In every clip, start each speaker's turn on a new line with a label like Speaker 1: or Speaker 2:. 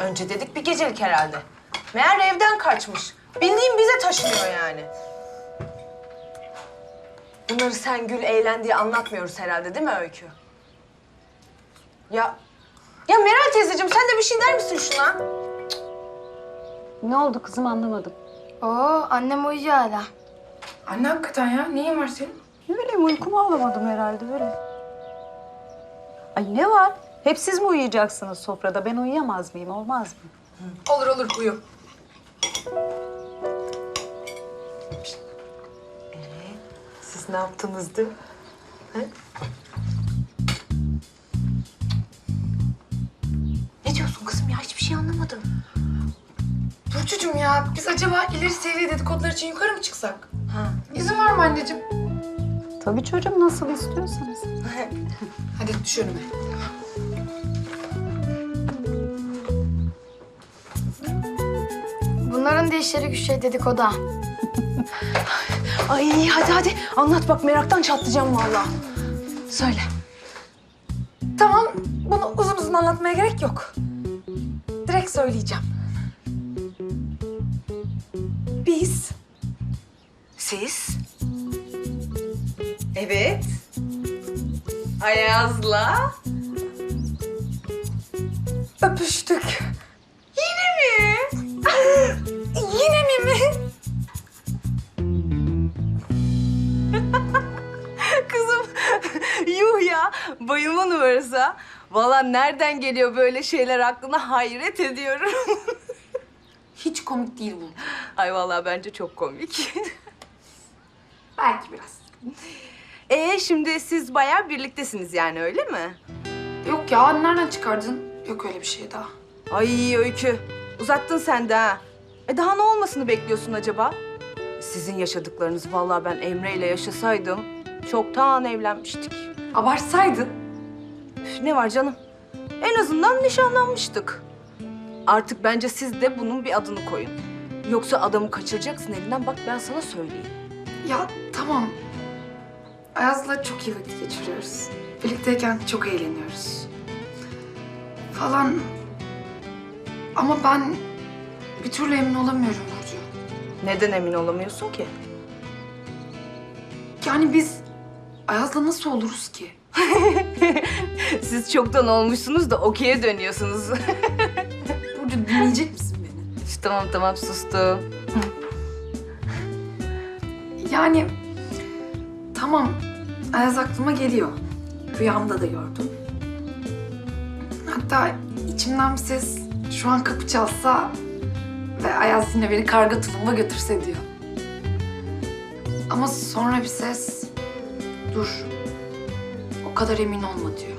Speaker 1: Önce dedik bir gecelik herhalde. Meğer evden kaçmış. Bildiğin bize taşınıyor yani. Bunları sen gül eğlen diye anlatmıyoruz herhalde değil mi Öykü? Ya Meral teyzeciğim sen de bir şey der misin şuna?
Speaker 2: Ne oldu kızım anlamadım.
Speaker 3: Oo, annem uyuyor hala.
Speaker 4: Anne hakikaten ya. Neyin var senin?
Speaker 2: Ne bileyim uykumu alamadım herhalde böyle. Ay ne var? Hep siz mi uyuyacaksınız sofrada? Ben uyuyamaz mıyım? Olmaz mı?
Speaker 4: Olur olur uyu.
Speaker 1: Siz ne yaptınızdı? Ne diyorsun kızım ya? Hiçbir şey anlamadım.
Speaker 4: Burcucuğum ya biz acaba ileri seviye dedikodular için yukarı mı çıksak? İzin var mı anneciğim?
Speaker 2: Tabii çocuğum nasıl istiyorsanız.
Speaker 4: Hadi düş önüme.
Speaker 3: Bunların da işleri güçleri dedikodu.
Speaker 1: Ay hadi anlat bak meraktan çatlayacağım vallahi. Söyle.
Speaker 4: Tamam bunu uzun uzun anlatmaya gerek yok. Direkt söyleyeceğim. Biz
Speaker 1: Siz? Evet. Ayaz'la.
Speaker 4: öpüştük. Yine mi? Yine mi?
Speaker 1: Kızım yuh ya bayılma numarası ha. Vallahi nereden geliyor böyle şeyler aklına hayret ediyorum.
Speaker 4: Hiç komik değil bu.
Speaker 1: Ay vallahi bence çok komik.
Speaker 4: Belki biraz.
Speaker 1: Şimdi siz bayağı birliktesiniz yani öyle mi?
Speaker 4: Yok ya nereden çıkardın? Yok öyle bir şey daha.
Speaker 1: Ay Öykü uzattın sen de ha. Daha ne olmasını bekliyorsun acaba? Sizin yaşadıklarınızı vallahi ben Emre ile yaşasaydım çoktan evlenmiştik.
Speaker 4: Abartsaydın.
Speaker 1: Üf, ne var canım? En azından nişanlanmıştık. Artık bence siz de bunun bir adını koyun. Yoksa adamı kaçıracaksın elinden bak ben sana söyleyeyim.
Speaker 4: Ya tamam. Ayaz'la çok iyi vakit geçiriyoruz. Birlikteyken çok eğleniyoruz. Falan. Ama ben bir türlü emin olamıyorum Burcu.
Speaker 1: Neden emin olamıyorsun ki?
Speaker 4: Yani biz Ayaz'la nasıl oluruz ki?
Speaker 1: Siz çoktan olmuşsunuz da okey'e dönüyorsunuz.
Speaker 4: Burcu dinleyecek misin beni?
Speaker 1: İşte tamam sustum.
Speaker 4: Yani tamam Ayaz aklıma geliyor. Rüyamda da gördüm. Hatta içimden bir ses şu an kapı çalsa ve Ayaz yine beni karga tulumba götürse diyor. Ama sonra bir ses dur o kadar emin olma diyor.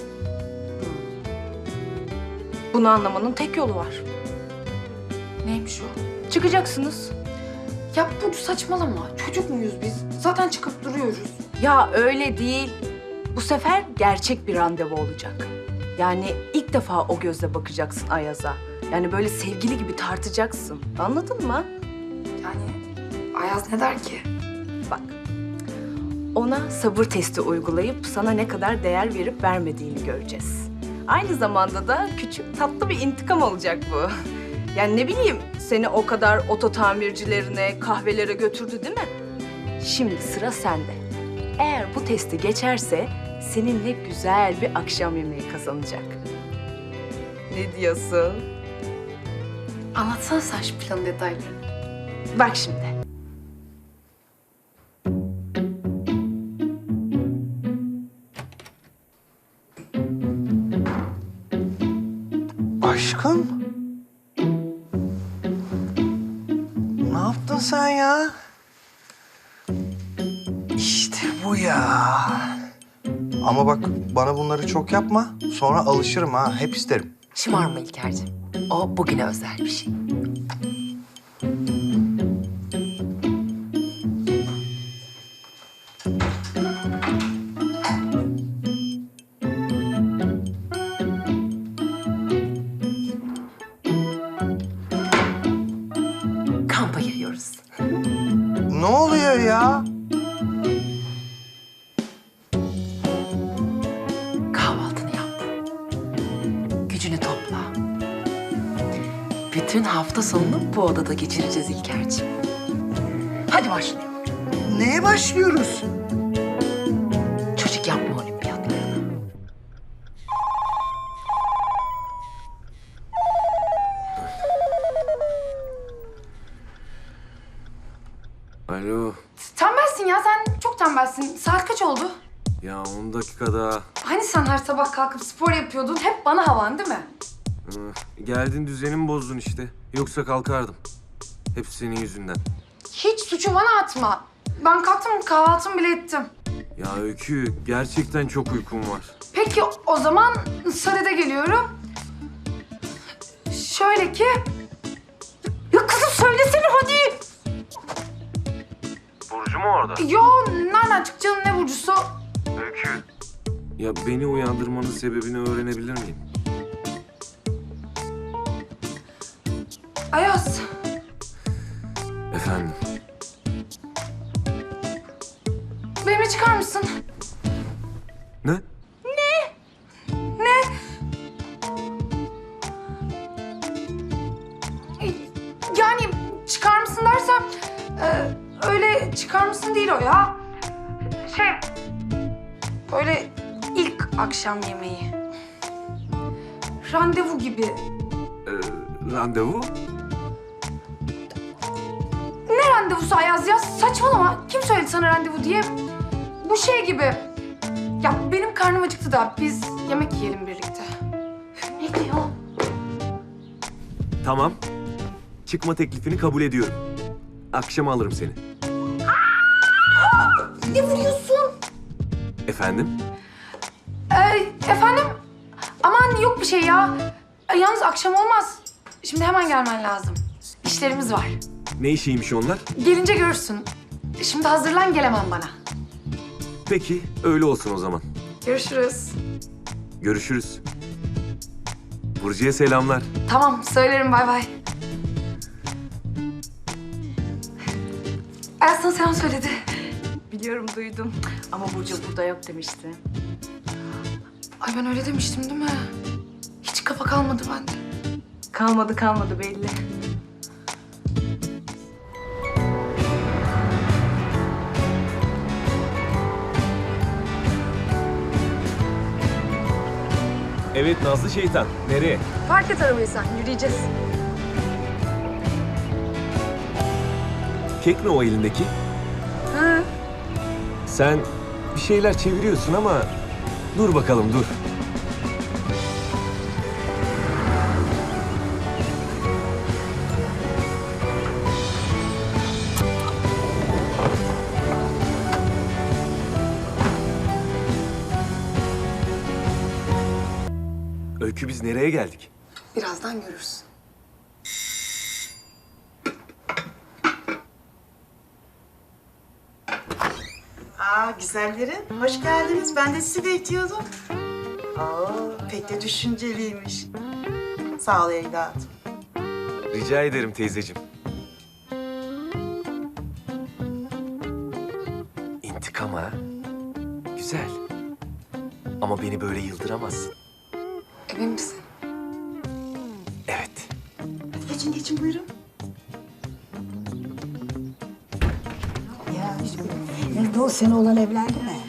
Speaker 1: Bunu anlamanın tek yolu var.
Speaker 4: Neymiş o?
Speaker 1: Çıkacaksınız.
Speaker 4: Ya Burcu saçmalama. Çocuk muyuz biz? Zaten çıkıp duruyoruz.
Speaker 1: Ya öyle değil. Bu sefer gerçek bir randevu olacak. Yani ilk defa o gözle bakacaksın Ayaz'a. Yani böyle sevgili gibi tartacaksın. Anladın mı?
Speaker 4: Yani Ayaz ne der ki?
Speaker 1: Bak. Ona sabır testi uygulayıp sana ne kadar değer verip vermediğini göreceğiz. Aynı zamanda da küçük tatlı bir intikam olacak bu. Yani ne bileyim seni o kadar oto tamircilerine, kahvelere götürdü değil mi? Şimdi sıra sende. Eğer bu testi geçerse seninle güzel bir akşam yemeği kazanacak. Ne diyorsun?
Speaker 4: Anlatsana sen şu planın detaylarını.
Speaker 1: Bak şimdi.
Speaker 5: Aşkım? Ne yaptın sen ya? İşte bu ya. Ama bak bana bunları çok yapma. Sonra alışırım ha. Hep isterim.
Speaker 6: Şımarma İlker'cim. O bugüne özel bir şey. Kampa giriyoruz.
Speaker 5: Ne oluyor ya?
Speaker 6: Kahvaltını yap. Gücünü topla. Bütün hafta sonunu bu odada geçireceğiz İlker'cim. Hadi başlayalım.
Speaker 7: Neye başlıyoruz?
Speaker 6: Çocuk yapma olimpiyatlarına.
Speaker 8: Alo.
Speaker 4: Tembelsin ya, sen çok tembelsin. Saat kaç oldu?
Speaker 8: Ya 10 dakika daha.
Speaker 4: Hani sen her sabah kalkıp spor yapıyordun? Hep bana havan değil mi?
Speaker 8: Geldin düzenimi bozdun işte. Yoksa kalkardım. Hepsi senin yüzünden.
Speaker 4: Hiç suçu bana atma. Ben kalktım, kahvaltımı bile ettim.
Speaker 8: Ya Öykü, gerçekten çok uykum var.
Speaker 4: Peki o zaman sadede geliyorum. Şöyle ki... Ya kızım söylesene hadi.
Speaker 8: Burcu mu orada?
Speaker 4: Yo, nereden çıkacağım, ne burcusu?
Speaker 8: Öykü. Ya beni uyandırmanın sebebini öğrenebilir miyim?
Speaker 4: Ayaz,
Speaker 8: Efendim?
Speaker 4: benimle çıkar mısın?
Speaker 8: Ne?
Speaker 4: Yani çıkar mısın dersem... öyle çıkar mısın değil o ya. Böyle ilk akşam yemeği. Randevu gibi.
Speaker 8: Randevu?
Speaker 4: Ne randevusu Ayaz ya? Saçmalama. Kim söyledi sana randevu diye? Bu şey gibi. Ya benim karnım acıktı da biz yemek yiyelim birlikte. Ne diyor?
Speaker 8: Tamam. Çıkma teklifini kabul ediyorum. Akşam alırım seni.
Speaker 4: Ne vuruyorsun?
Speaker 8: Efendim?
Speaker 4: Efendim? Aman yok bir şey ya. Yalnız akşam olmaz. Şimdi hemen gelmen lazım. İşlerimiz var.
Speaker 8: Ne işiymiş onlar?
Speaker 4: Gelince görürsün. Şimdi hazırlan, gelemem bana.
Speaker 8: Peki, öyle olsun o zaman.
Speaker 4: Görüşürüz.
Speaker 8: Görüşürüz. Burcu'ya selamlar.
Speaker 4: Tamam, söylerim, bay bay. Ayaz sana selam söyledi.
Speaker 1: Biliyorum, duydum. Ama Burcu burada yok demişti.
Speaker 4: Ay ben öyle demiştim değil mi? Hiç kafa kalmadı bende.
Speaker 1: Kalmadı belli.
Speaker 8: Evet Nazlı şeytan. Nereye?
Speaker 4: Park et arabayı sen, yürüyeceğiz.
Speaker 8: Kek mi o elindeki?
Speaker 4: Hı.
Speaker 8: Sen bir şeyler çeviriyorsun ama dur bakalım dur. Öykü biz nereye geldik?
Speaker 4: Birazdan görürsün.
Speaker 7: Güzellerim, hoş geldiniz. Ben de sizi bekliyordum. Pek de düşünceliymiş. Sağ ol evladım.
Speaker 8: Rica ederim teyzeciğim. İntikam ha? Güzel. Ama beni böyle yıldıramazsın.
Speaker 4: Emin misin?
Speaker 8: Evet.
Speaker 7: Hadi geçin buyurun.
Speaker 9: Nerede o sene olan evlendi mi?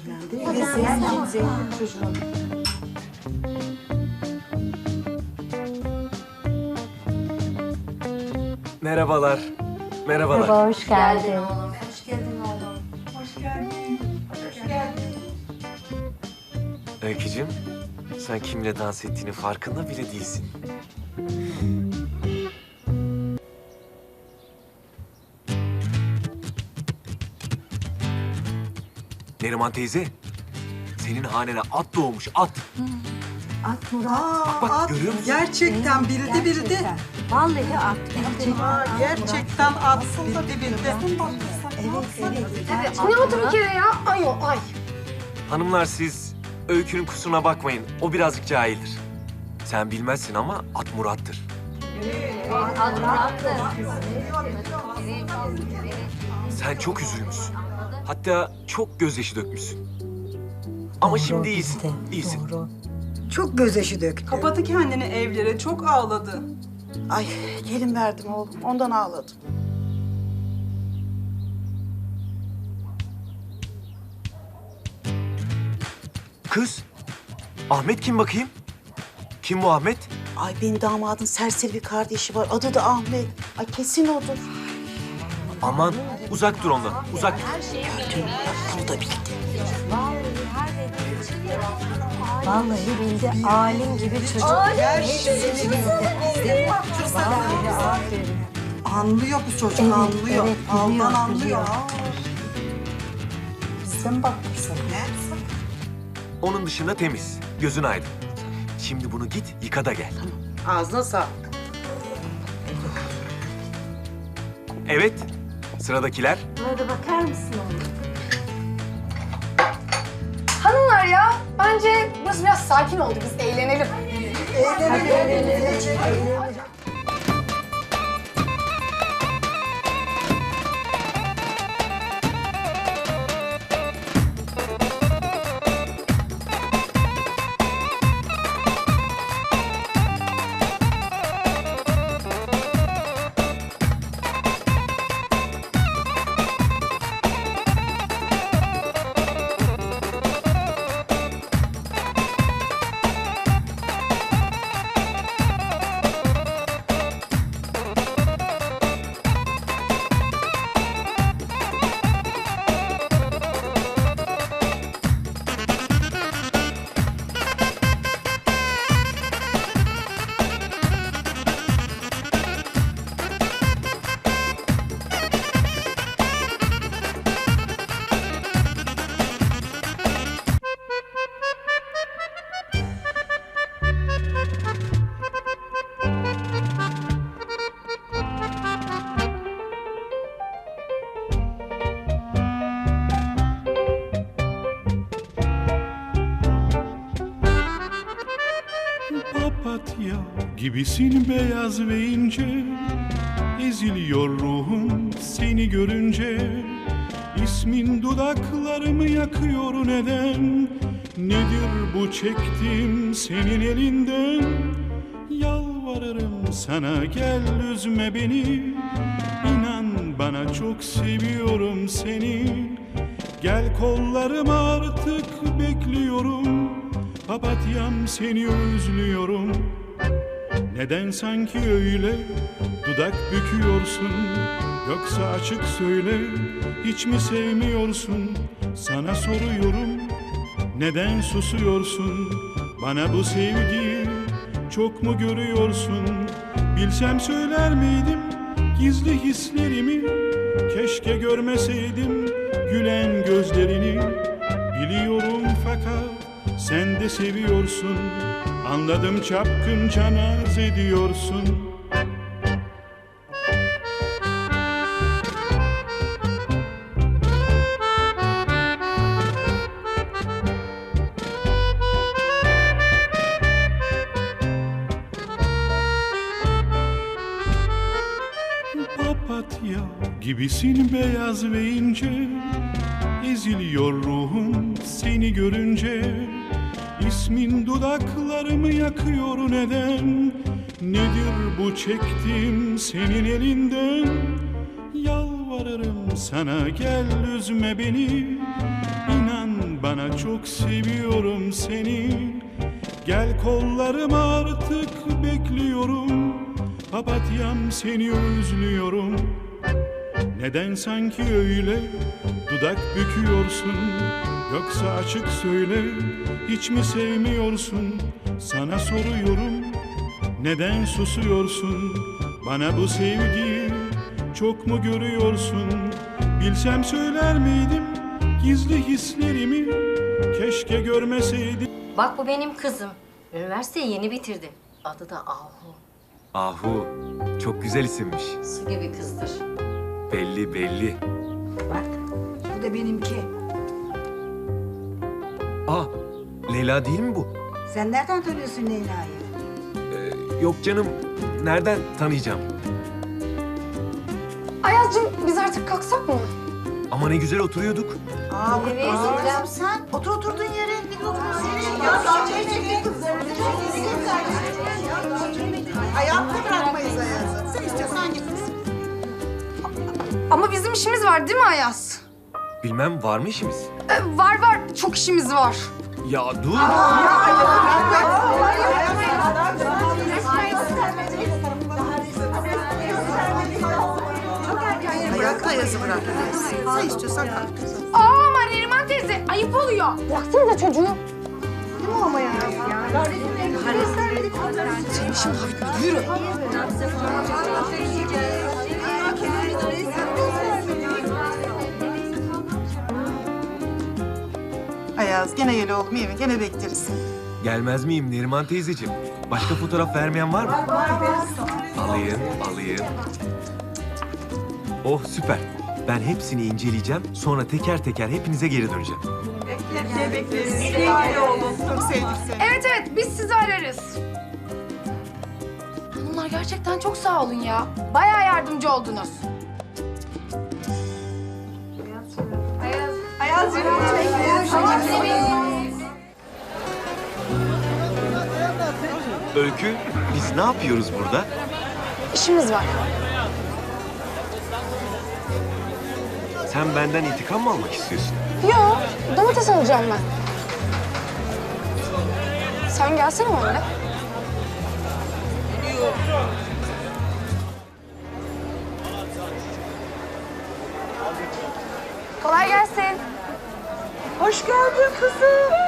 Speaker 8: Merhabalar. Merhabalar.
Speaker 9: Hoş geldin.
Speaker 8: Öykücüğüm, sen kimle dans ettiğini farkında bile değilsin. Neriman teyze, senin hanene at doğmuş, at.
Speaker 9: At Murat.
Speaker 8: Bak, görüyor musun?
Speaker 7: Gerçekten bildi.
Speaker 9: Vallahi at.
Speaker 7: Gerçekten at bildi.
Speaker 9: Evet.
Speaker 4: Ne oldu bir kere ya? Ay.
Speaker 8: Hanımlar siz Öykü'nün kusuruna bakmayın. O birazcık cahildir. Sen bilmezsin ama at Murat'tır. Sen çok üzülmüşsün. Hatta çok gözyaşı dökmüşsün. Ama şimdi iyisin, iyisin.
Speaker 9: Doğru. Çok gözyaşı döktü.
Speaker 10: Kapattı kendini evlere, çok ağladı.
Speaker 7: Ay gelin verdim oğlum. Ondan ağladım.
Speaker 8: Kız, Ahmet kim bakayım? Kim bu Ahmet?
Speaker 7: Ay benim damadın serseri bir kardeşi var. Adı da Ahmet. Ay kesin odur.
Speaker 8: Aman uzak dur ondan, uzak dur.
Speaker 7: Gördün mü? Bunu da bildi.
Speaker 9: Vallahi bildi. Alim gibi çocuk. Hepsini bildi. Vallahi aferin.
Speaker 7: Anlıyor bu çocuk,
Speaker 9: Evet,
Speaker 7: anlıyor.
Speaker 9: evet,
Speaker 7: Aldan
Speaker 9: biliyor,
Speaker 7: anlıyor.
Speaker 9: biliyor.
Speaker 2: Bize mi bakmışsın?
Speaker 8: Onun dışında temiz, gözün aydın. Şimdi bunu git yıka da gel.
Speaker 7: Ağzına sağlık.
Speaker 8: Evet, sıradakiler.
Speaker 9: Buna da bakar mısın oğlum?
Speaker 3: Hanımlar ya, bence burası biraz sakin oldu. Biz eğlenelim.
Speaker 10: Papatya gibisin beyaz ve ince, eziliyor ruhum seni görünce. İsmin dudaklarımı yakıyor neden? Nedir bu çektiğim senin elinden? Yalvarırım sana gel üzme beni. İnan bana çok seviyorum seni. Gel kollarıma artık bekliyorum. Papatyam seni özlüyorum. Neden sanki öyle dudak büküyorsun? Yoksa açık söyle, hiç mi sevmiyorsun? Sana soruyorum, neden susuyorsun? Bana bu sevgiyi çok mu görüyorsun? Bilsem söyler miydim gizli hislerimi? Keşke görmeseydim gülen gözlerini. Biliyorum fakat sen de seviyorsun. Anladım çapkınca naz ediyorsun. Papatya gibisin beyaz ve ince, eziliyor ruhum seni görünce. İsmin dudaklarımı yakıyor neden? Nedir bu çektiğim senin elinden? Yalvarırım sana gel üzme beni. İnan bana çok seviyorum seni. Gel kollarıma artık bekliyorum. Papatyam seni özlüyorum. Neden sanki öyle dudak büküyorsun? Yoksa açık söyle, hiç mi sevmiyorsun? Sana soruyorum, neden susuyorsun? Bana bu sevgiyi çok mu görüyorsun? Bilsem söyler miydim gizli hislerimi? Keşke görmeseydim.
Speaker 11: Bak bu benim kızım. Üniversiteyi yeni bitirdi. Adı da Ahu.
Speaker 8: Ahu, çok güzel isimmiş.
Speaker 11: Su gibi kızdır.
Speaker 8: Belli belli.
Speaker 9: Bak, bu da benimki.
Speaker 8: Aa, Leyla değil mi bu?
Speaker 9: Sen nereden tanıyorsun Leyla'yı?
Speaker 8: Yok canım, nereden tanıyacağım?
Speaker 3: Ayaz'cığım biz artık kalksak mı?
Speaker 8: Ama ne güzel oturuyorduk.
Speaker 7: Aa,
Speaker 11: Evet,
Speaker 7: kızım sen otur oturduğun yere. Ya, ayakta bırakmayın.
Speaker 3: Ama bizim işimiz var değil mi Ayaz?
Speaker 8: Bilmem var mı işimiz?
Speaker 3: Var var. Çok işimiz var.
Speaker 8: Ya dur.
Speaker 7: Ayakta yazı bırak. Sen istiyorsan kalk.
Speaker 3: Ama Neriman teyze ayıp oluyor. Bıraksanıza çocuğu.
Speaker 7: Ayaz gene gel oğlum iyi mi? Gene bekleriz.
Speaker 8: Gelmez miyim Neriman teyzeciğim? Başka fotoğraf vermeyen var mı? Alayım. Oh süper. Ben hepsini inceleyeceğim. Sonra teker teker hepinize geri döneceğim.
Speaker 7: Bekleriz. Gel oğlum. Çok sevdik seni.
Speaker 3: Evet biz sizi ararız. Hanımlar gerçekten çok sağ olun ya. Bayağı yardımcı oldunuz.
Speaker 8: Öykü, biz ne yapıyoruz burada?
Speaker 3: İşimiz var.
Speaker 8: Sen benden intikam mı almak istiyorsun?
Speaker 3: Yo, domates alacağım ben. Sen gelsene benimle. Kolay gelsin.
Speaker 2: Hoş geldin kızım.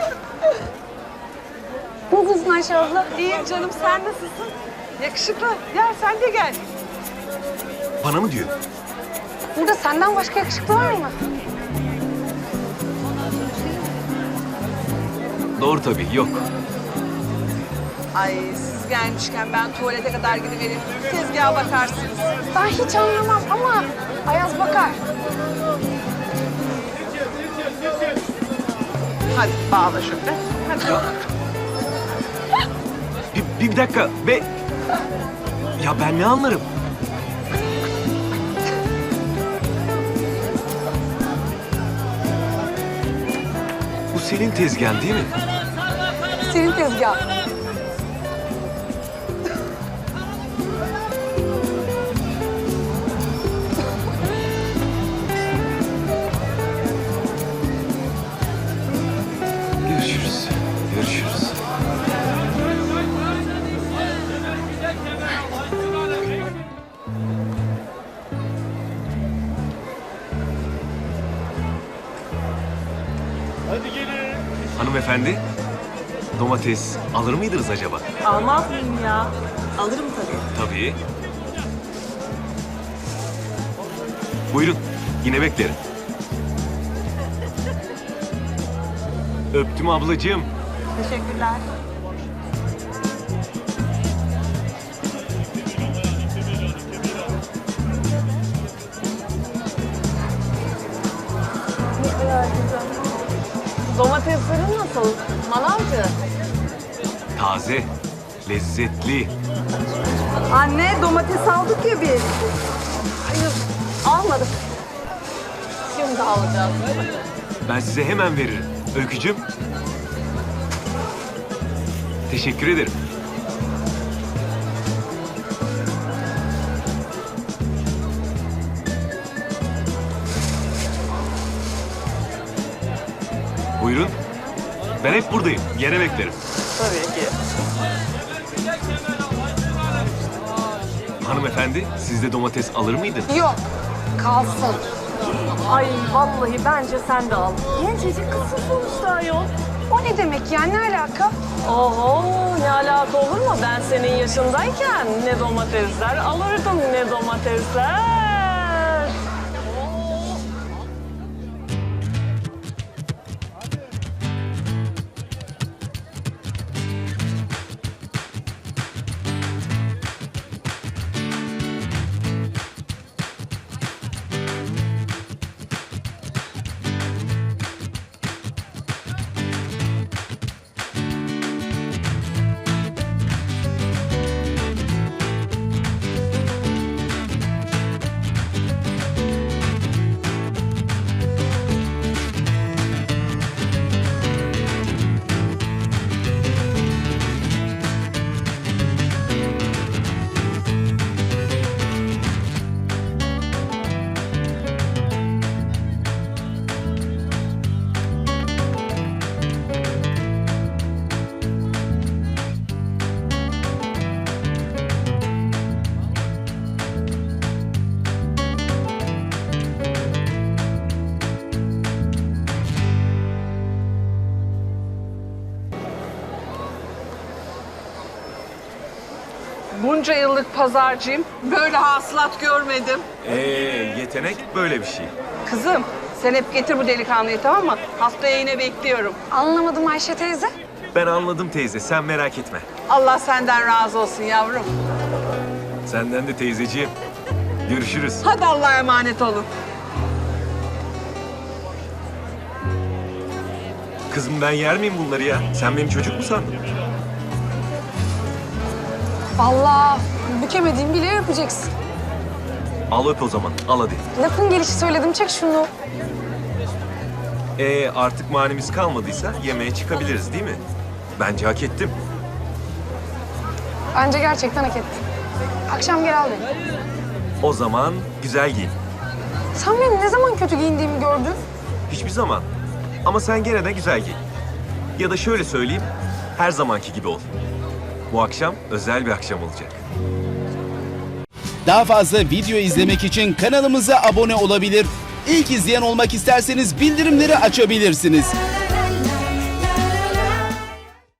Speaker 3: Nasılsın Ayşe abla?
Speaker 2: İyiyim canım, sen nasılsın? Yakışıklı. Gel sen de gel.
Speaker 8: Bana mı diyor?
Speaker 3: Burada senden başka yakışıklı var mı?
Speaker 8: Doğru tabii, yok.
Speaker 2: Ay siz gelmişken ben tuvalete kadar gidivereyim. Tezgaha bakarsınız.
Speaker 3: Ben hiç anlamam ama Ayaz bakar.
Speaker 7: Hadi bağla şöyle.
Speaker 8: Bir dakika be. Ya ben ne anlarım? Bu senin tezgahın değil mi?
Speaker 3: Senin tezgahın.
Speaker 8: Görüşürüz. Görüşürüz. Hanımefendi, domates alır mıydınız acaba?
Speaker 7: Almaz mıyım ya? Alırım tabii.
Speaker 8: Tabii. Buyurun, yine beklerim. Öptüm ablacığım.
Speaker 7: Teşekkürler.
Speaker 2: Domateslerin nasıl? Manavcı.
Speaker 8: Taze, lezzetli.
Speaker 2: Anne domates aldık ya biz. Hayır almadık. Şimdi alacağız.
Speaker 8: Ben size hemen veririm. Öykücüğüm. Teşekkür ederim. Buyurun. Ben hep buradayım. Yine beklerim.
Speaker 2: Tabii ki.
Speaker 8: Hanımefendi, siz de domates alır mıydınız?
Speaker 3: Yok, kalsın.
Speaker 2: Ay vallahi bence sen de al. Gencecik kızsın sonuçta ayol.
Speaker 3: O ne demek ya? Ne alaka?
Speaker 2: Oho ne alaka olur mu? Ben senin yaşındayken ne domatesler alırdım ne domatesler. Bunca yıllık pazarcıyım. Böyle hasılat görmedim.
Speaker 8: Yetenek böyle bir şey.
Speaker 2: Kızım sen hep getir bu delikanlıyı, tamam mı? Haftaya yine bekliyorum.
Speaker 3: Anlamadım Ayşe teyze.
Speaker 8: Ben anladım teyze, sen merak etme.
Speaker 2: Allah senden razı olsun yavrum.
Speaker 8: Senden de teyzeciğim. Görüşürüz.
Speaker 2: Hadi Allah'a emanet olun.
Speaker 8: Kızım ben yer miyim bunları ya? Sen beni çocuk mu sandın?
Speaker 3: Vallahi bükemediğim bile yapacaksın.
Speaker 8: Al öp o zaman, al hadi.
Speaker 3: Lafın gelişi söyledim, çek şunu.
Speaker 8: Artık manimiz kalmadıysa yemeğe çıkabiliriz değil mi? Bence hak ettim.
Speaker 3: Bence gerçekten hak ettin. Akşam gel al beni.
Speaker 8: O zaman güzel giyin.
Speaker 3: Sen benim ne zaman kötü giyindiğimi gördün?
Speaker 8: Hiçbir zaman. Ama sen gene de güzel giyin. Ya da şöyle söyleyeyim, her zamanki gibi ol. Bu akşam özel bir akşam olacak.
Speaker 12: Daha fazla video izlemek için kanalımıza abone olabilir. İlk izleyen olmak isterseniz bildirimleri açabilirsiniz.